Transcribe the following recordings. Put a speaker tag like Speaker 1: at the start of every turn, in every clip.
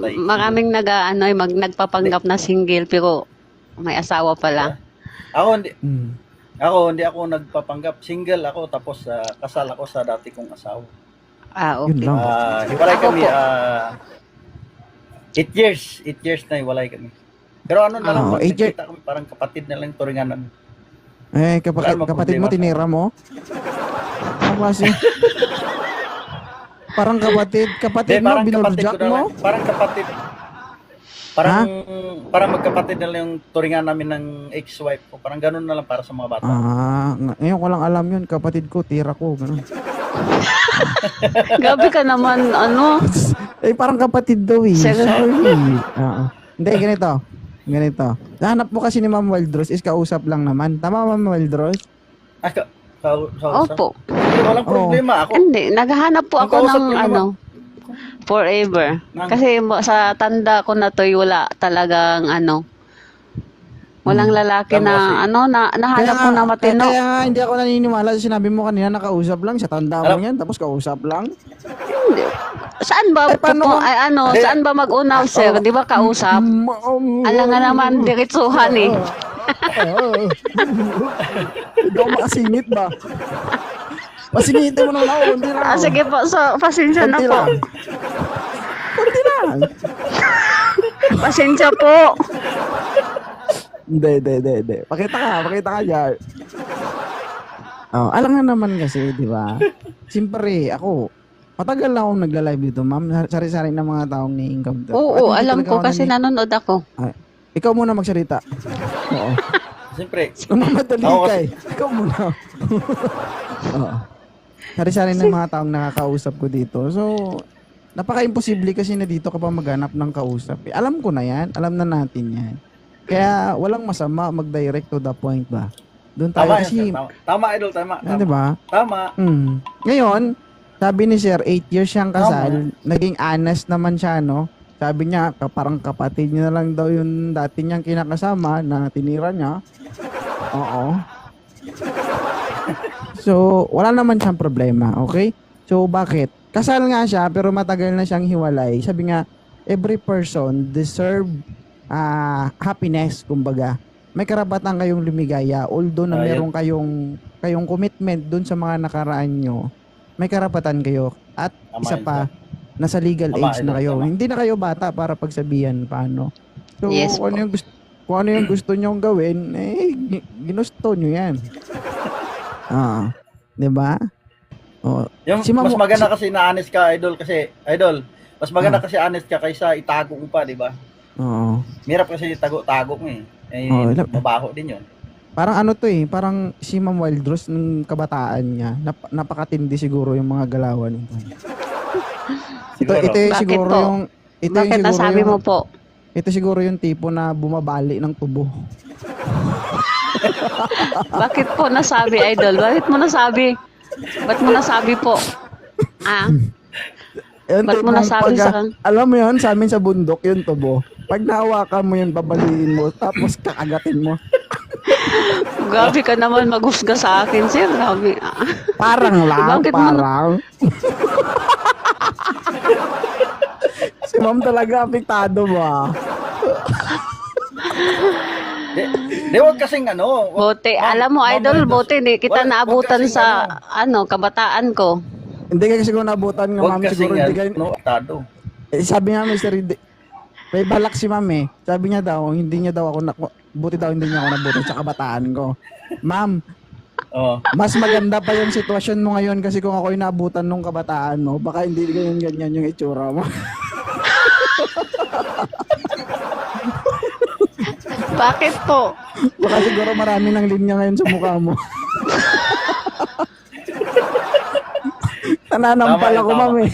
Speaker 1: patay.
Speaker 2: maraming nagpapanggap na single pero may asawa pala.
Speaker 1: Ako hindi,
Speaker 3: Hmm.
Speaker 1: hindi ako nagpapanggap. Single ako tapos kasal ako sa dati kong asawa.
Speaker 3: Yun
Speaker 2: Okay.
Speaker 3: lang.
Speaker 1: Hiwalay
Speaker 2: Ako
Speaker 1: kami
Speaker 2: po.
Speaker 1: 8 years. 8 years na hiwalay kami. Pero ano na lang,
Speaker 3: Oo, 8 years.
Speaker 1: nagkita kami parang kapatid na lang yung turingan namin.
Speaker 3: Kapatid
Speaker 1: Wala
Speaker 3: kapatid mo,
Speaker 1: problema.
Speaker 3: tinira mo? Ano kasi? Parang kapatid mo, binurjak
Speaker 1: na
Speaker 3: mo?
Speaker 1: lang. Parang kapatid. Parang magkapatid na lang yung turingan namin ng ex-wife ko. Parang ganun na lang para sa mga bata.
Speaker 3: Ngayon ko lang alam yun, kapatid ko, tira ko, ganun.
Speaker 2: Gabi ka naman,
Speaker 3: Parang kapatid daw eh.
Speaker 2: Sir.
Speaker 3: Sorry. Hindi, ganito. Nahanap mo kasi ni Ma'am Wildros is kausap lang naman. Tama, Ma'am Wildros?
Speaker 2: Opo.
Speaker 1: Walang problema. Ako,
Speaker 2: Hindi, naghahanap po
Speaker 1: Ang
Speaker 2: ako
Speaker 1: kausap
Speaker 2: ng
Speaker 1: ko naman.
Speaker 2: forever. Kasi sa tanda ko na to, wala talagang walang lalaki na nahanap ko na matino.
Speaker 3: Kaya nga, hindi ako naniniwala sa sinabi mo kanina, nakausap lang. Sa tanda mo
Speaker 1: Alam-
Speaker 3: yan, tapos kausap lang.
Speaker 2: Hindi. Saan ba
Speaker 3: paano
Speaker 2: saan ba mag-unaw, sir? Di ba kausap? Alam nga naman, diretsuhan eh.
Speaker 3: Hindi ako makasingit ba? Pasingitin mo naman ako, hindi lang.
Speaker 2: Sige po, so pasensya na
Speaker 3: Kunti
Speaker 2: po.
Speaker 3: lang. Kunti lang.
Speaker 2: Pasensya po.
Speaker 3: Hindi. Pakita ka dyan. Alam nga naman kasi, di ba? Siyempre, ako, matagal na akong nagla-live dito, ma'am. Sari-sari ng mga taong ni-income to.
Speaker 2: Oo,
Speaker 3: At hindi
Speaker 2: alam
Speaker 3: talaga
Speaker 2: ko
Speaker 3: ako
Speaker 2: kasi nanonood ako.
Speaker 3: Ikaw muna magsalita. Oo.
Speaker 1: siyempre,
Speaker 3: Mamadali
Speaker 1: Ako
Speaker 3: ka
Speaker 1: kasi-
Speaker 3: eh. Ikaw muna. Oo. Sari-sari ng mga taong nakakausap ko dito. So, napaka-imposible kasi na dito ka pa maghanap ng kausap. Alam ko na yan. Alam na natin yan. Kaya walang masama mag-direct to the point ba? Doon tayo
Speaker 1: tama yan,
Speaker 3: kasi,
Speaker 1: sir. Tama, idol. Tama.
Speaker 3: di ba?
Speaker 1: Tama.
Speaker 3: Ngayon, sabi ni Sir, 8 years siyang kasal, naging honest naman siya, no? Sabi niya, parang kapatid niya na lang daw yung dati niyang kinakasama na tinira niya. Oo. So, wala naman siyang problema, okay? So, bakit? Kasal nga siya, pero matagal na siyang hiwalay. Sabi nga, every person deserve happiness, kumbaga. May karapatan kayong lumigaya, although na meron kayong commitment dun sa mga nakaraan nyo, may karapatan kayo. At
Speaker 1: Tama
Speaker 3: isa
Speaker 1: yun,
Speaker 3: pa, nasa legal
Speaker 1: Tama,
Speaker 3: age na
Speaker 1: idol,
Speaker 3: kayo.
Speaker 1: tama.
Speaker 3: Hindi na kayo bata para pagsabihan paano. So,
Speaker 2: Yes
Speaker 3: kung ano yung gusto nyong gawin, ginusto nyo yan. 'Di ba?
Speaker 1: Yung
Speaker 3: Si Ma'am-
Speaker 1: mas maganda kasi na honest ka, idol. Mas maganda kasi honest ka kaysa itago mo pa, di ba?
Speaker 3: Oo.
Speaker 1: Mirap kasi itago mo eh. Mabaho din yun.
Speaker 3: Parang ano to eh, parang si Ma'am Wildros ng kabataan niya, napakatindi siguro yung mga galawan nito.
Speaker 1: Siguro.
Speaker 3: Ito yung
Speaker 2: Bakit
Speaker 3: siguro
Speaker 2: po?
Speaker 3: yung
Speaker 2: Bakit nasabi mo po?
Speaker 3: Ito siguro yung tipo na bumabali ng tubo.
Speaker 2: Bakit po nasabi, idol? Bakit mo nasabi? Ba't mo nasabi po?
Speaker 3: Yung
Speaker 2: Ba't mo
Speaker 3: tipong
Speaker 2: nasabi sa kan-
Speaker 3: alam mo yun, sa amin sa bundok, yung tubo. Pag nahawakan mo yun, babaliin mo, tapos kakagatin mo.
Speaker 2: Grabe ka naman maghusga sa akin, sir. Grabe.
Speaker 3: Parang lang,
Speaker 2: Bakit mo
Speaker 3: parang. Si ma'am talaga apektado mo
Speaker 1: Di wag kasing
Speaker 2: Bote, alam mo, idol, bote, hindi kita naabutan sa, kabataan ko.
Speaker 3: Hindi kasi kung nabutan nga
Speaker 1: Wag
Speaker 3: ma'am,
Speaker 1: kasing
Speaker 3: siguro hindi kayo.
Speaker 1: apektado.
Speaker 3: Sabi nga Mr. May balak si ma'am eh. Sabi niya daw, hindi niya daw ako, buti daw hindi niya ako nabutan sa kabataan ko. Ma'am,
Speaker 1: Oh.
Speaker 3: mas maganda pa yung sitwasyon mo ngayon kasi kung ako'y naabutan nung kabataan mo, baka hindi ganyan yung itsura mo.
Speaker 2: Bakit po?
Speaker 3: Baka siguro marami ng linya ngayon sa mukha mo. Nananampal
Speaker 1: Tama,
Speaker 3: ako,
Speaker 1: tama.
Speaker 3: ma'am eh.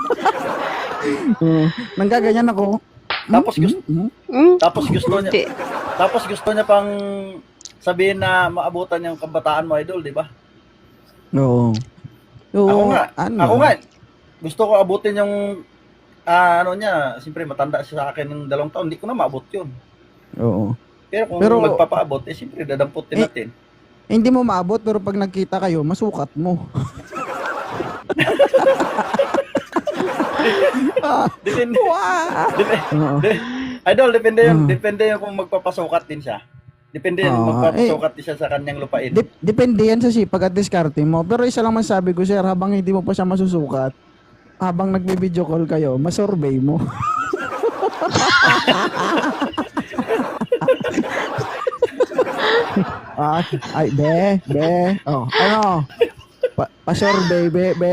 Speaker 3: Nanggaganyan ako.
Speaker 1: Tapos gusto tapos gusto niya.
Speaker 2: Hindi.
Speaker 1: Tapos gusto niya pang sabihin na maabutan yung kabataan mo, idol, di ba?
Speaker 3: Oo.
Speaker 1: Ako nga, gusto ko abutin yung niya, siyempre matanda siya sa akin ng 2 taon, hindi ko na maabot yun.
Speaker 3: Oo.
Speaker 1: Pero kung
Speaker 3: Pero-
Speaker 1: magpapaabot, siyempre dadamputin natin.
Speaker 3: Hindi mo maabot pero pag nagkita kayo, masukat mo.
Speaker 1: Depende.
Speaker 3: Wow! Oo.
Speaker 1: Idol, depende yun.
Speaker 3: Mm.
Speaker 1: Depende yun kung magpapasukat din siya. Depende yun kung
Speaker 3: Oo,
Speaker 1: magpapasukat din siya sa kanyang lupain.
Speaker 3: Depende yan sa sipag at diskarte mo. Pero isa lang masabi ko, sir, habang hindi mo pa siya masusukat, habang nagbe-video call kayo, masurvey mo. Ay, be. Oh, ano? Pa-survey, be.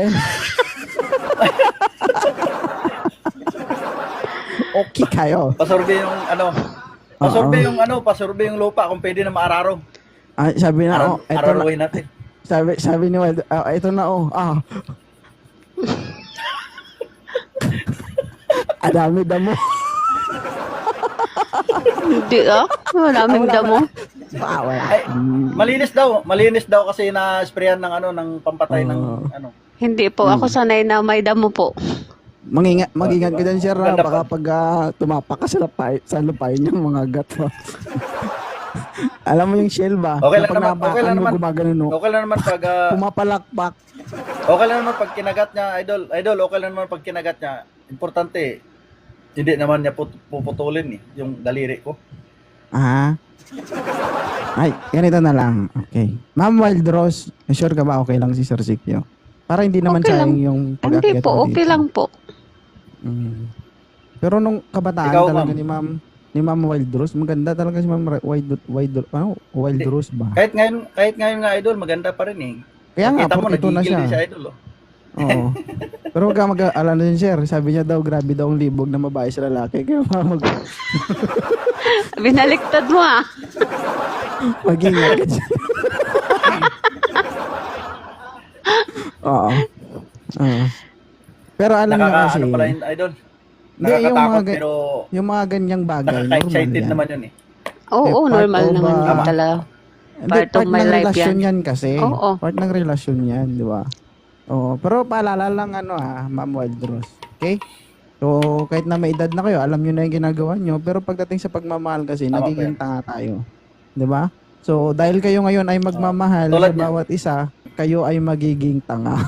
Speaker 3: Okay kayo.
Speaker 1: Pasurvey yung ano. Pasurvey yung lupa kung pwede na maararo.
Speaker 3: Ay, sabi na, eto na.
Speaker 1: Araruhin natin.
Speaker 3: Sabi ni Wild, ito na, Adami damo.
Speaker 2: Hindi maraming damo.
Speaker 1: Ay, malinis daw kasi na-sprayan ng ng pampatay ng ano.
Speaker 2: Hindi po, ako sanay na may damo po.
Speaker 3: Mag-ingat ka dyan, sir,
Speaker 1: Ganda
Speaker 3: baka pag tumapak ka sa lupain yung mga gat mo. Alam mo yung shell ba?
Speaker 1: Okay lang
Speaker 3: Kapag
Speaker 1: naman, okay lang
Speaker 3: napakan mo,
Speaker 1: naman.
Speaker 3: gumagano.
Speaker 1: Okay lang naman pag
Speaker 3: Pumapalakpak.
Speaker 1: okay lang naman pag kinagat niya, idol, okay lang naman pag kinagat niya. Importante, hindi naman niya puputulin yung daliri ko.
Speaker 3: Ay, ganito na lang. Okay. Ma'am Wild Rose, sure ka ba okay lang si Sir Sikyo? Para hindi naman
Speaker 2: Okay
Speaker 3: sayang
Speaker 2: lang.
Speaker 3: yung
Speaker 2: Hindi
Speaker 3: pag-akyat
Speaker 2: po,
Speaker 3: mo
Speaker 2: okay
Speaker 3: dito.
Speaker 2: lang po.
Speaker 3: Pero nung kabataan
Speaker 1: Ikaw,
Speaker 3: talaga
Speaker 1: ma'am.
Speaker 3: ni Ma'am Wild Rose, maganda talaga si Ma'am Wild Rose ba?
Speaker 1: Kahit ngayon nga idol, maganda pa rin eh.
Speaker 3: Kaya nga,
Speaker 1: Kita mo,
Speaker 3: ito na
Speaker 1: nagigil
Speaker 3: siya.
Speaker 1: din siya idol.
Speaker 3: Oo. Pero wag ka mag-alala din, sir. Sabi niya daw, grabe daw ang libog na babae sa lalaki. Kaya
Speaker 2: Binaliktad mo
Speaker 3: mag-ingat ka dyan. Oo. Pero alam niyo kasi,
Speaker 1: Ano pala yun, idol?
Speaker 3: Hindi, yung
Speaker 1: Nakakatakot
Speaker 3: mga
Speaker 1: pero
Speaker 3: yung mga ganyang bagay, normal
Speaker 1: nakaka-excited
Speaker 3: yan.
Speaker 1: naman yun eh.
Speaker 2: Oo,
Speaker 3: part
Speaker 2: normal
Speaker 3: of,
Speaker 2: naman yun
Speaker 3: tama.
Speaker 2: talaga.
Speaker 3: Hindi,
Speaker 2: Part of my
Speaker 3: ng
Speaker 2: life
Speaker 3: relasyon
Speaker 2: yan.
Speaker 3: yan kasi.
Speaker 2: Oo.
Speaker 3: Part ng relasyon yan, di ba? Oo. Pero paalala lang Ma'am Wild Rose. Okay? So, kahit na may edad na kayo, alam nyo na yung ginagawa nyo. Pero pagdating sa pagmamahal kasi,
Speaker 1: Tama
Speaker 3: nagiging
Speaker 1: po
Speaker 3: tanga tayo. Di ba? So, dahil kayo ngayon ay magmamahal
Speaker 1: Tulad
Speaker 3: sa
Speaker 1: niya.
Speaker 3: bawat isa, kayo ay magiging tanga.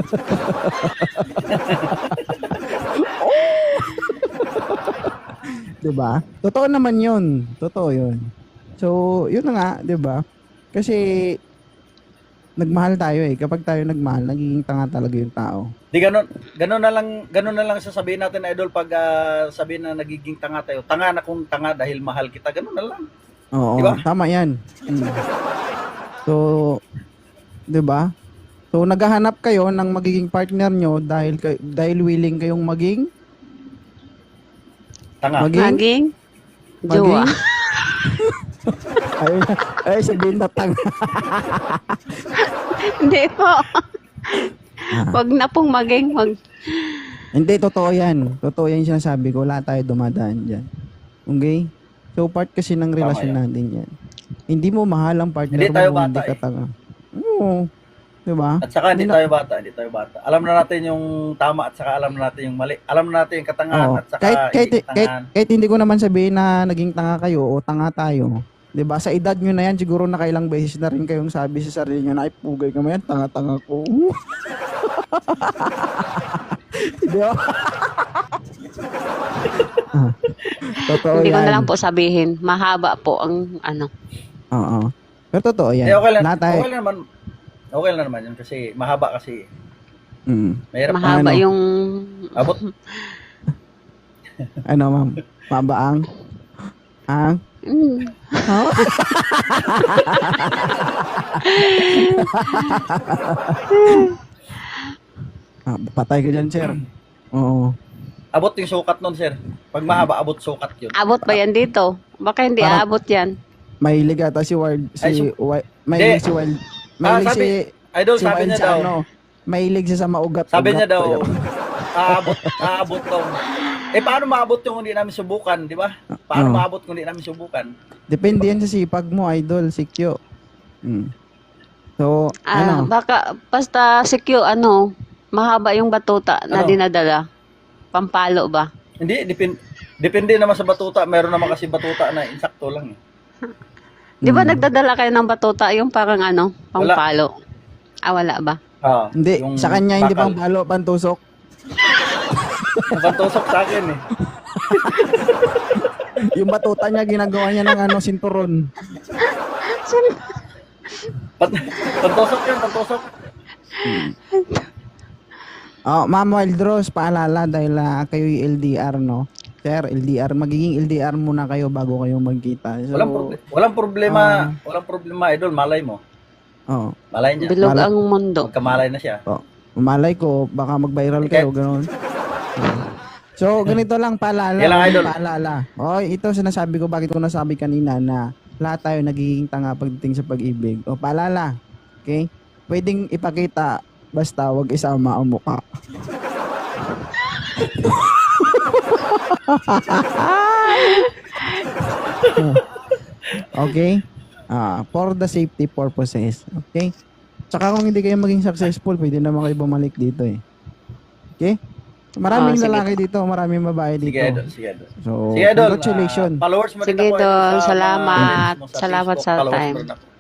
Speaker 3: Di ba? Totoo naman yun. Totoo yun. So, yun na nga, di ba? Kasi, nagmahal tayo eh. Kapag tayo nagmahal, nagiging tanga talaga yung tao.
Speaker 1: Di ganun na lang sasabihin natin idol pag sabihin na nagiging tanga tayo. Tanga na kung tanga dahil mahal kita, ganun na lang.
Speaker 3: Oo,
Speaker 1: Diba?
Speaker 3: tama yan. So, di ba? So, naghahanap kayo ng magiging partner nyo dahil willing kayong maging
Speaker 1: Tanga.
Speaker 2: Maging jowa.
Speaker 3: ay sabihin na tanga.
Speaker 2: Hindi po. Wag na pong maging
Speaker 3: Hindi, totoo yan. Totoo yan yung sinasabi ko. Wala tayo dumadaan dyan. Okay? So, part kasi ng relasyon
Speaker 1: yan.
Speaker 3: natin yan. Hindi mo mahal ang partner
Speaker 1: Hindi tayo
Speaker 3: mo, hindi
Speaker 1: bata
Speaker 3: ka tanga. Oo. Diba?
Speaker 1: At saka hindi tayo bata. Alam na natin yung tama at saka alam na natin yung mali. Alam na natin yung katangahan
Speaker 3: Oo.
Speaker 1: at saka
Speaker 3: Kahit,
Speaker 1: hindi katangahan.
Speaker 3: kahit hindi ko naman sabihin na naging tanga kayo o tanga tayo. 'Di ba? Sa edad nyo na yan, siguro nakailang beses na rin kayong sabi sa sarili nyo na ay pugay ka mo yan, tanga-tanga ko. Di ba? Totoo
Speaker 2: hindi ko
Speaker 3: yan.
Speaker 2: na lang po sabihin. Mahaba po ang
Speaker 3: Oo. Pero totoo yan.
Speaker 1: Okay lang,
Speaker 3: Lahat tayo-
Speaker 1: okay lang naman yun kasi mahaba kasi. Mahirap
Speaker 2: mahaba
Speaker 3: ano?
Speaker 2: yung
Speaker 1: abot.
Speaker 3: Ano, ma'am? Mabaang? Ang? Oh? Patay ka dyan, sir. Oo.
Speaker 1: Abot yung sukat nun, sir. Pag mahaba, abot sukat yun.
Speaker 2: abot ba yan dito? Baka hindi
Speaker 3: Parang-
Speaker 2: aabot yan.
Speaker 3: Mahilig ata si Wild, mahilig si Wild,
Speaker 1: Idol,
Speaker 3: si
Speaker 1: sabi
Speaker 3: Wild
Speaker 1: niya
Speaker 3: sa
Speaker 1: daw,
Speaker 3: mahilig siya sa maugat.
Speaker 1: sabi niya daw, aabot daw. Paano maabot yung hindi namin subukan, di ba? Paano
Speaker 3: Oo.
Speaker 1: maabot kung hindi namin subukan?
Speaker 3: Depende yan sa sipag mo, idol, sikyo. So, ano?
Speaker 2: Baka basta secure mahaba yung batuta na
Speaker 1: Ano?
Speaker 2: dinadala. Pampalo ba?
Speaker 1: Hindi, depende naman sa batuta. Meron naman kasi batuta na insakto lang eh.
Speaker 2: Di ba nagdadala kayo ng batuta yung parang pampalo? Wala ba?
Speaker 3: Hindi,
Speaker 1: Yung
Speaker 3: sa kanya hindi
Speaker 1: bakal.
Speaker 3: pang palo, pantusok.
Speaker 1: Napantusok sa akin eh.
Speaker 3: Yung batuta niya, ginagawa niya ng ano, sinturon.
Speaker 1: Pantusok yun, pantusok.
Speaker 3: Oh, Ma'am Wildrose, paalala dahil kayo yung LDR, no? Sir, LDR, magiging LDR muna kayo bago kayo magkita. So,
Speaker 1: Walang problema, idol, malay mo.
Speaker 3: Oh,
Speaker 1: Malay niya.
Speaker 2: Bilog ang mundo.
Speaker 1: Magkamalay na siya.
Speaker 3: oh, malay ko, baka mag-viral kayo, gano'n. So, ganito lang, paalala.
Speaker 1: Yan lang, idol.
Speaker 3: Paalala. Oh, ito sinasabi ko, bakit ko nasabi kanina na lahat tayo nagiging tanga pagdating sa pag-ibig. O, paalala. Okay? Pwedeng ipakita, basta wag isama ang mukha. Okay? For the safety purposes. Okay? Tsaka kung hindi kayo maging successful, pwede naman kayo bumalik dito eh. Okay? Maraming
Speaker 2: sige.
Speaker 3: lalaki dito, maraming babae dito.
Speaker 1: Sige, idol. Sige, idol.
Speaker 3: So,
Speaker 1: Sige, idol.
Speaker 3: congratulations.
Speaker 1: Followers mo rin
Speaker 2: Sige,
Speaker 1: ako, idol,
Speaker 2: Idol.
Speaker 1: sa mga
Speaker 2: Salamat.
Speaker 1: mo sa
Speaker 2: Salamat
Speaker 1: Facebook,
Speaker 2: sa
Speaker 1: followers
Speaker 2: time.
Speaker 1: mo rin ako.